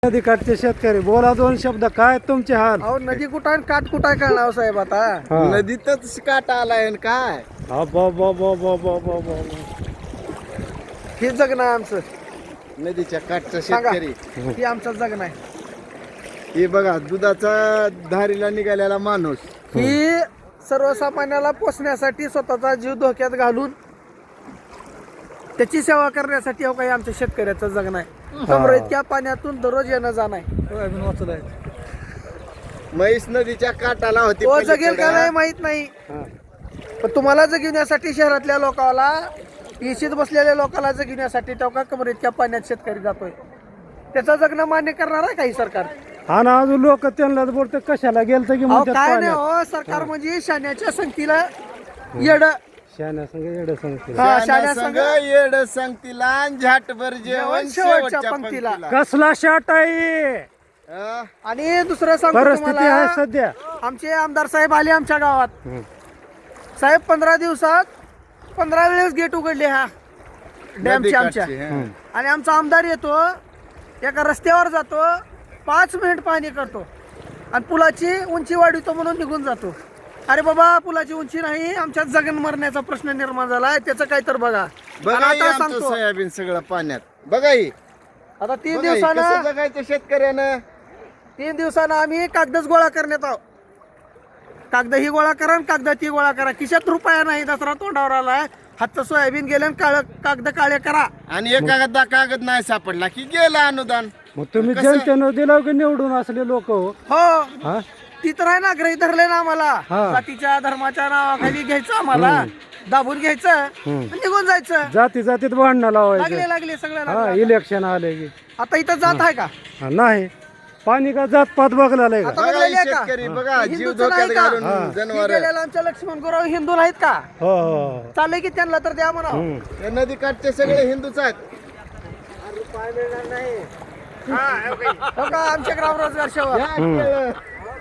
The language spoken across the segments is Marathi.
नदी काठचे शेतकरी बोला दोन शब्द, काय तुमचे हाल? अहो नदी कुठं आणि काठ कुठं कळणार हो साहेब आता. हा. नदीतच काटा आलाय आणि काय हे जगणं आहे आमचं. नदीच्या काठचा सांगा. शेतकरी. हे आमचं जगणं आहे. हे बघा दुधाचा धारीला निघालेला माणूस. ही सर्वसामान्याला पोसण्यासाठी स्वतःचा जीव धोक्यात घालून त्याची सेवा करण्यासाठी हो काही आमच्या शेतकऱ्याचं जगणं आहे. कमरे इतक्या पाण्यातून दररोज येणं जाणं आहे. म्हैस नदीच्या काठाला होती तो जगेल का पलीकडं. नाही माहित नाही, पण तुम्हाला जगविण्यासाठी शहरातल्या लोकांना, इशीत बसलेल्या लोकांना जगविण्यासाठी तेव्हा कमरे इतक्या पाण्यात शेतकरी जातोय. त्याचं जगणं मान्य करणार आहे काही सरकार? हा ना, अजून लोक त्यांना बोलते कशाला गेलत की अहो म्हणतात काय नाही पाण्यात. हो, सरकार म्हणजे शाण्याच्या संगतीला येड. शाण्या संग येडं सांगतील. हा, शाण्या शाण्या संग संग येड संगतीला आणि झाटभर जेवण शेवटच्या पंक्तीला. कसला शाट आहे? हा? आणि दुसरं सांगतो परिस्थिती आहे तुम्हाला, सध्या. आमचे आमदार साहेब आले आमच्या गावात. साहेब 15 दिवसात 15 वेळेस गेट उघडले हा डॅमचे आमच्या. नदीकाठची, हा. आणि आमचा आमदार येतो, एका रस्त्यावर जातो, 5 मिनिट पाणी करतो आणि पुलाची उंची वाढवतो म्हणून निघून जातो. अरे बाबा, पुलाची उंची नाही, आमच्यात जगन मरण्याचा प्रश्न निर्माण झालाय, त्याचं काय तर बघा. बघा आणि हे आता आमचं सांगतो, सोयाबीन सगळं पाण्यात. बघा ही. आता 3 बघा ही, दिवसानं कसं जगायचं शेतकऱ्यानं. 3 दिवसानं आम्ही कागदच गोळा करण्यात आहोत. कागद ही गोळा करा आणि कागद ती गोळा करा. खिशात रुपया नाही, दसरा तोंडावर आलाय. हातचं सोयाबीन गेलं आणि कागद काळे करा. आणि एखादा कागद नाही सापडला की गेला अनुदान. मग तुम्ही कसं? जनतेनं दिलं की निवडून असले लोक हो? हो, हा? ती तर आहे ना, ग्रही धरले ना आम्हाला. हा. जातीच्या धर्माच्या नावाखाली घ्यायचं आम्हाला, दाबून घ्यायचं आणि निघून जायचं. जाती जातीत भांडणं लावायचं. लागले सगळं हा, लागले. इलेक्शन आले की. आता इथं जात आहे का? हा, नाही पाणी का जात पात बघलाय का? आता बघा बघलेली ही आहे का? शेतकरी बघा जीव हिंदूचं धोक्यात नाही का? घालून हा. जनावर. आमच्या लक्ष्मण गुराव हिंदू नाहीत का? हो हो. चाललंय की त्यांना तर द्या म्हणा. या नदी काठचे सगळे हिंदूच आहेत. हो का, आमच्या ग्राम रोजगार सेवा. घ्या केळं.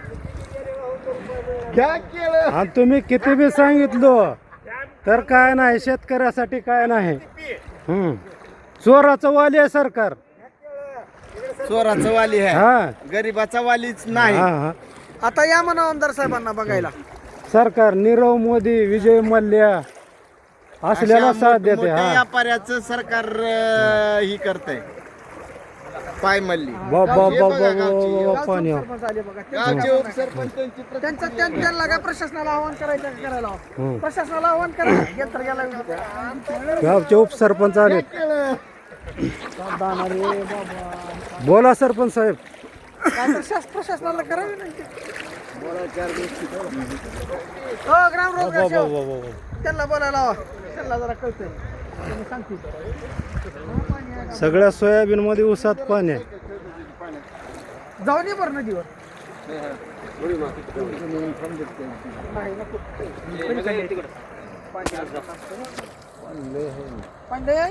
घ्या केळं. आणि तुम्ही किती बी सांगितलं तर काय नाही, शेतकऱ्यासाठी काय नाही. चोराचं वाली आहे सरकार. चोराचं वाली आहे, हा गरीबाचा वालीच नाही. हा हा. आता या म्हणा आमदार साहेबांना बघायला. सरकार नीरव मोदी, विजय मल्ल्या असल्याला अशा साथ देते. मोठ्या हा व्यापाऱ्याचं सरकार ही करतंय. पाय मल्ली. बाबा हे बघा गावची. बाबा पाणी. सरपंच आले बघा. गावचे उपसरपंचांची प्रति- त्यांना काय प्रशासनाला आव्हान करायचं का करायला हवं? प्रशासनाला आव्हान करा. गेल तर गेला. गावचे उपसरपंच आले. केळं. बोला सरपंच साहेब. काय तर प्रशासनाला करावी नाही. हो, ग्राम रोजगार सेवक. त्यांना बोलायला हवा. त्यांना जरा कळतंय. त्यांनी सांगतील. सगळ्या सोयाबीन मध्ये उसात पाणी आहे. जाऊन ये बरं नदीवर. नाही, नको. पांडे